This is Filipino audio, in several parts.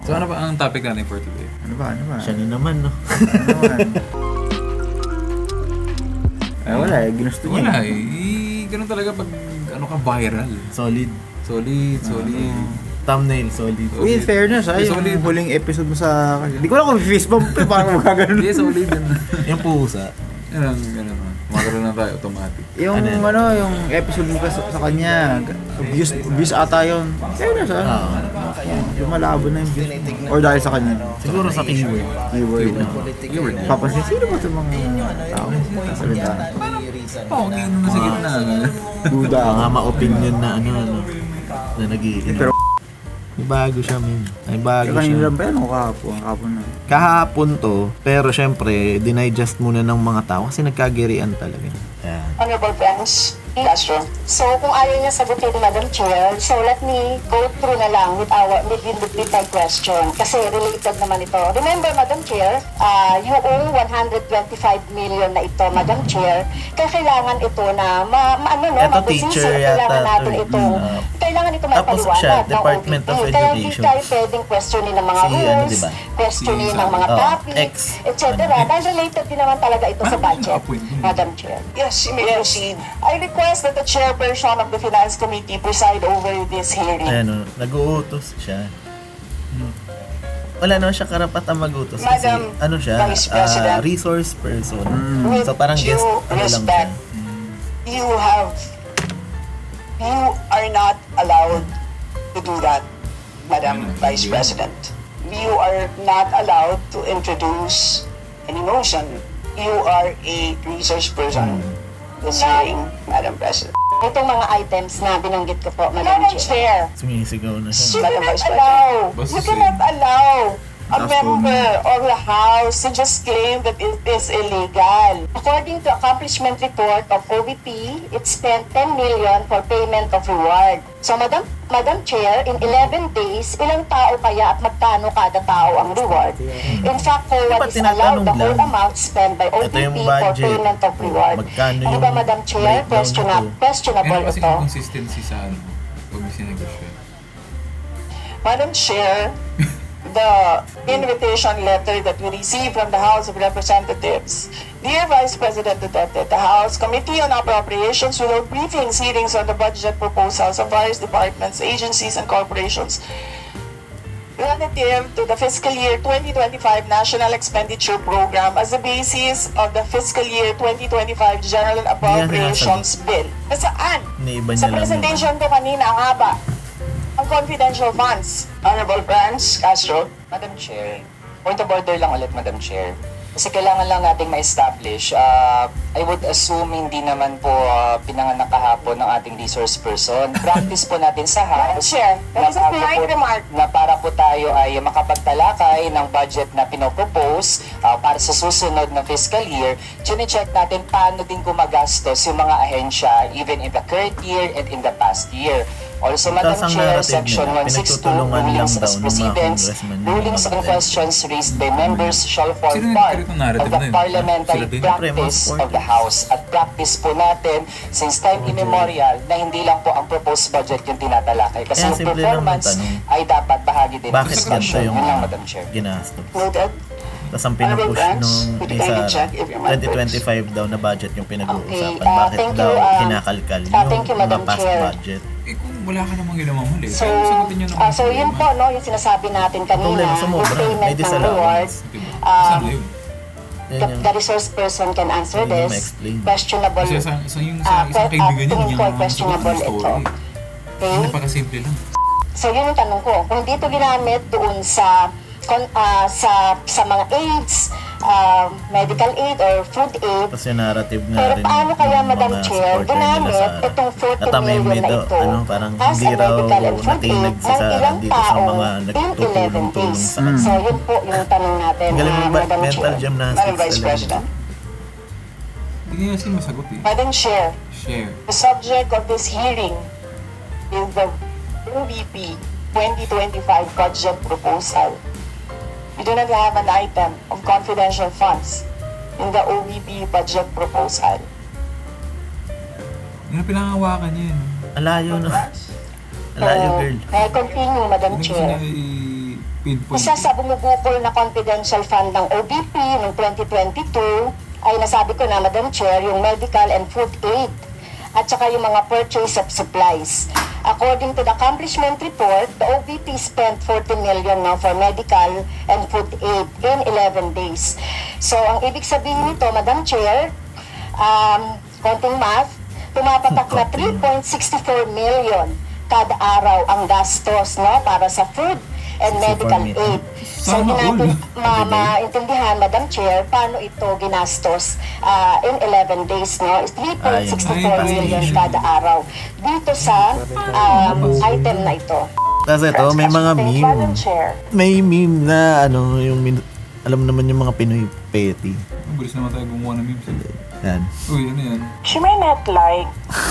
So ano ba ang topic natin for today? Ano ba? Siya na naman, no? Ano naman? Wala eh. Ginusto niya. Wala eh. Ganun talaga pag ano ka viral. Solid. Solid. Thumbnail, solid. Uy, in fairness Solid. yung huling episode mo sa... Hindi ko lang kung face bump eh, parang magkaganon. Hindi, solid yan. Yung pusa. Ganun. Magkaroon na tayo automatic. Yung yung episode mo sa kanya, views ata yun. Fairness yung malabo na yung views. Or dahil sa kanya. Siguro sa keyword. Keyword niya. Papansin, sino ba itong mga tao? Salita. Pogi na sa gitna. Buda ako. Mga ma-opinion na na nag-iinom. Pero May bago siya, min. May bago kanina siya. lang ba yan o kahapon na? Kahapon to, pero syempre, dinigest muna ng mga tao kasi nagkagirian talaga. Yan. Honorable friends, Castro. So, kung ayaw niya sagutin, Madam Chair, so let me go through na lang with my question. Kasi related naman ito. Remember, Madam Chair, you owe 125 million na ito, Madam Chair. Kaya kailangan ito na, Ito teacher kailangan yata natin to, ito. Kailangan ito Tapos siya, maipaliwanag ng Department of OVP. Kaya hindi Education. tayo pwedeng questionin ng mga Si, rules, diba? questionin Si ng mga X. topics, etc. Dahil related din naman talaga ito sa budget, Madam Chair. Yes, you may proceed. I request that the chairperson of the Finance Committee preside over this hearing. Ayan o, nag-uutos siya. Wala naman siya karapatan mag-utos kasi Madam ano siya, Vice President. resource person. With So parang due guest, ano lang siya. respect, you are not allowed to do that, Madam Vice President. You are not allowed to introduce any motion. You are a research person. This hearing, Madam President. Itong mga items na binanggit ko po, Madam Madam Chair. Chair, Sumisigaw na you siya. cannot Vice allow, Basta you cannot si- allow a That's member of the House to just claim that it is illegal. According to accomplishment report of OVP, it spent 10 million for payment of reward. So, Madam Chair, in 11 days, ilang tao kaya at magkano kada tao ang reward? In fact, for what Dapat is allowed, the tinatanong whole lang. amount spent by Ito yung OVP for budget. payment of reward. Magkano Ano ba, yung Madam Chair? breakdown nito? Questionable Meron kasi ito. inconsistency sa ano. Pag sinegosyo. Madam Chair, the invitation letter that we received from the House of Representatives. Dear Vice President Duterte, the House Committee on Appropriations will hold briefings, hearings on the budget proposals of various departments, agencies, and corporations relative to the fiscal year 2025 National Expenditure Program as the basis of the fiscal year 2025 General Appropriations Bill. Saan? Iniiba Sa niya lang presentation ko kanina, ang haba. Ang confidential funds. Honorable Franz Castro. Madam Chair, point of order lang ulit, Madam Chair. Kasi kailangan lang nating ma-establish. I would assume hindi naman po pinanganak kahapon ng ating resource person. Practice po natin sa Madam House Chair, that is a polite remark. na para po tayo ay makapagtalakay ng budget na pinopropose para sa susunod na fiscal year. Chine-check natin paano din gumagastos yung mga ahensya even in the current year and in the past year. Also, Madam Tapos ang Chair, narrative Section nila, 162, pinagtutulungan lang rulings daw as ng mga proceedings, congressman yung rulings mga and batas. questions raised by members shall form Sino yung part nagkaroon ng narrative of the na yun? parliamentary Sila din? practice Siyempre, of the House. At practice po natin since time immemorial na hindi lang po ang proposed budget yung tinatalakay. Kasi Kaya yung simple lang performance magtanong. ay dapat bahagi din ng Bakit discussion. ganito yung Yun lang, Madam Chair. ginastos? Noted. Tapos ang pinupush nung Could you kindly check if your mic works? 2025 daw na budget yung pinag-uusapan. Okay, Bakit thank daw you, kinakalkal thank you, yung mga Madam past Chair. budget? Eh kung wala ka namang ginawang mali, So, kaya sagutin nyo naman. so yun po, no, yung sinasabi natin kanina, Problema, sumobra. yung payment May ng disallowance. reward, Diba? um, Saan na yun? Yan the, yung the resource person can answer Hindi mo this. ma-explain. Questionable. Kasi sa yung sa isang kaibigan niya, tingin ko ay questionable ito. story. Okay? Napakasimple lang. So yun yung tanong ko. Kung hindi ito ginamit doon sa sa mga aids, medical aid or food aid, tapos yung narrative nga pero rin paano kaya, ng Madam mga Chair, supporter nila ginamit sa itong 40 natameme million na daw, ito parang as hindi a raw medical and food natinag aid sa ng ilang dito sa tao mga in 11 nagtutulong-tulong days. sa kanya. So yun po yung tanong natin, Galing mo ba? Madam Mental Chair. gymnastics Madam Vice talaga. President. Hindi niya kasi masagot eh. Madam Chair, Share. the subject of this hearing is the OVP 2025 budget proposal. We do not have an item of confidential funds in the OVP budget proposal. Yung pinangawakan niya yun. Alayo no. Alayo girl. Continue, Madam Hindi ko Chair. sila pinpoint. Isa sa bumubukol na confidential fund ng OBP noong 2022 ay nasabi ko na, Madam Chair, yung medical and food aid at saka yung mga purchase of supplies. According to the accomplishment report, the OBP spent 40 million now for medical and food aid in 11 days. So, ang ibig sabihin nito, Madam Chair, konting math, tumapatak na 3.64 million kada araw ang gastos, no, para sa food and medical aid. So, Sana hindi natin all. maintindihan, Madam Chair, paano ito ginastos in 11 days, no? Is 3.64 million kada araw dito sa item na ito. Tapos ito, may mga Thank you, Madam meme. Chair. May meme na alam naman yung mga Pinoy petty. Ang bilis naman tayo gumawa ng memes. Yan. Uy, ano yan? She may not like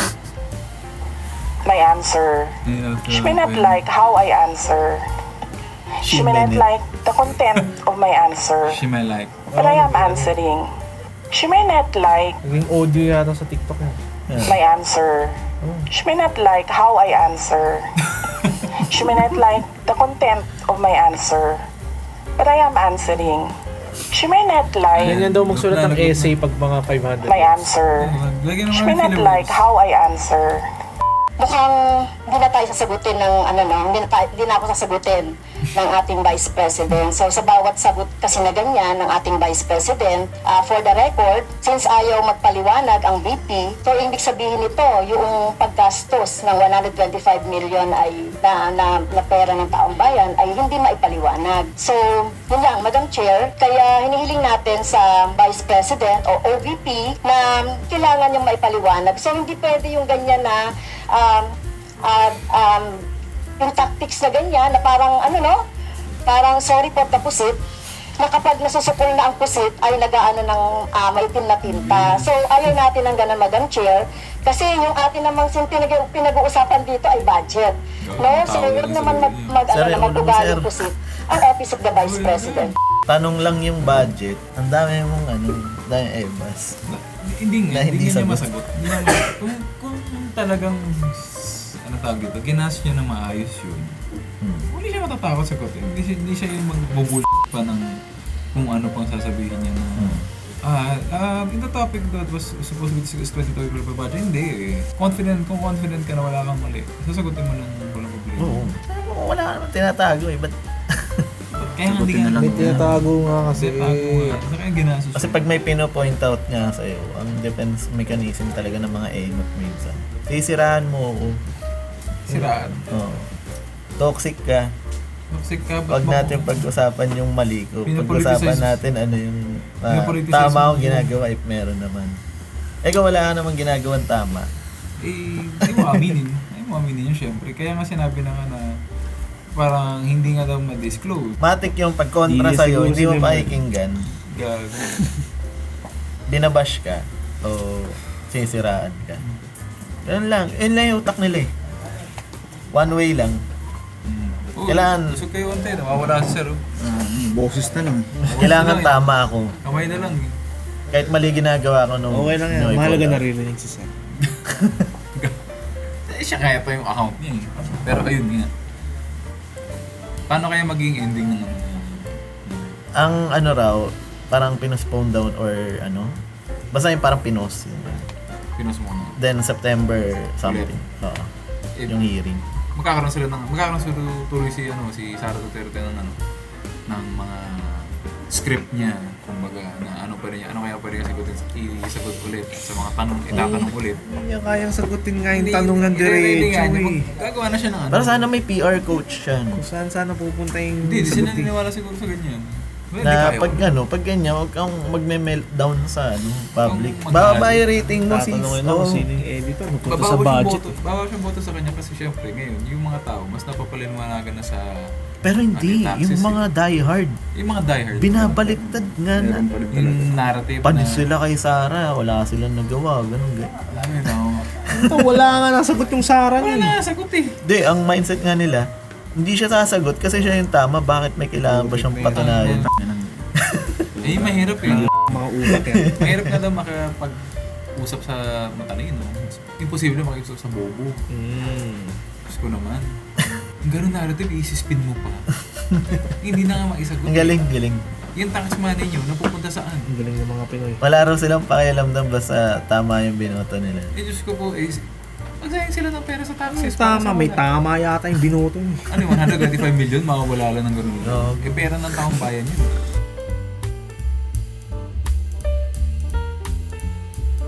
my answer. She may not like how I answer. She may not like the content of my answer. She may like. But I am answering. She may not like Naging audio yata sa TikTok yan. my answer. She may not like how I answer. She may not like the content of my answer. But I am answering. She may not like Ganyan daw magsulat ng essay pag mga 500. my answer. Lagyan She naman may ng not filler like words. how I answer. Mukhang hindi na tayo sasagutin ng hindi na ako sasagutin ng ating Vice President. So sa bawat sagot kasi na ganyan ng ating Vice President, for the record, since ayaw magpaliwanag ang VP, so ibig sabihin nito, yung paggastos ng 125 million ay na pera ng taong bayan ay hindi maipaliwanag. So, yun lang, Madam Chair, kaya hinihiling natin sa Vice President o OVP na kailangan yung maipaliwanag. So, hindi pwede yung ganyan na yung tactics na ganyan na parang parang sorry po the pusit, na kapag nasusukol na ang pusit ay nagaano ng maitim na tinta. So ayaw natin ng ganun, Madam Chair, kasi yung atin namang pinag-uusapan dito ay budget. No? So huwag naman mag-ugaling pusit ang Office of the Vice President. Tanong lang yung budget. Ang dami mong dami ebas. Hindi nga, Na hindi hindi niya sagot. masagot. Hindi niya masagot. Kung talagang, tawag dito, ginas niya na maayos yun, hindi siya matatakot sagutin. Hindi siya yung magbubul pa ng kung ano pang sasabihin niya na, in the topic that was supposed to be discussed by budget, hindi eh. Kung confident ka na wala kang mali, sasagutin mo lang walang problema. Oo. Wala ka naman tinatago eh. Ba't Kaya hindi nga May tinatago nga kasi. Kasi kaya ginasos. Kasi pag may pino-point out nga sa'yo, ang defense mechanism talaga ng mga engot minsan. Sisiraan mo ako. Siraan. Oo. Toxic ka. Toxic ka, Huwag natin pag-usapan yung mali ko. Pinapoliticize- Pag-usapan natin ano yung Pinapoliticize tama mo. akong ginagawa if meron naman. Kung wala ka namang ginagawang tama. Hindi mo aminin. Hindi mo aminin yun, syempre. Kaya nga sinabi na nga na parang hindi nga daw ma-disclose. Matik yung pagkontra Hindi, sa'yo, siguro hindi mo sila- pakikinggan. Gago. Binabash ka o sisiraan ka. Ganun lang. Yun lang yung utak nila eh. One way lang. Kailangan- Gusto kayo onte, nawawala si Sir. Boses na lang. Kailangan tama ako. Kamay na lang. Kahit mali ginagawa ko nung... Okay lang yan. nung Mahalaga ipod- naririnig si Sam. Siya kaya pa yung account niya eh. Pero ayun nga. Paano kaya maging ending ng Ang ano raw, parang pinospone down or ano. Basta yung parang pinos. Pinos mo na? Then September something. Oo. Eh, Yung hearing. magkakaroon sila tuloy si Sara Duterte ng mga script niya, kumbaga na ano kaya pa rin isagot ulit sa mga tanong, itatanong ulit. Hindi niya kayang sagutin nga yung tanong ng Hindi nga, diretso eh. gagawa na siya ng ano. Pero sana may PR coach siya. No? Kung saan sana pupunta yung Hindi sila sagutin. naniniwala siguro sa ganyan. Well, Na hindi pag kaya. pag ganyan, huwag kang magme-meltdown sa public. Kung mag- Baba yung rating mo sis. Tatanungin ako Oo. sino yung editor. Pupunta sa Babawas yung budget. boto. Babawas yung boto sa kanya kasi syempre ngayon, yung mga tao mas napapaliwanagan na sa Pero hindi, Anti-taxes yung mga diehard. yung mga diehard. Binabaliktad nga na. Yung narrative Panis na sila kay Sarah, wala silang nagawa, ganun. alam mo na. Ito, wala nga nasagot yung Sarah Wala nun. na, sagot eh. Hindi, ang mindset nga nila, hindi siya sasagot kasi siya yung tama, bakit may kailangan ba siyang patunayan? Eh, mahirap eh. Mga ulat yan. Mahirap nga daw makapag-usap sa matalino. Imposible makipag-usap sa bobo. Diyos ko naman. ganun narrative, isi-spin mo pa. Hindi na nga maisagot. Ang galing, galing. Yung tax money nyo, napupunta saan? Ang galing ng mga Pinoy. Wala raw silang pakialamdam basta tama yung binoto nila. Diyos ko po, magsayang sila ng pera sa taxes. Tama, may tama yata yung binoto niya. Ano yung 125 million, mawawala lang ng ganun. Oo. Pera ng taong bayan yun.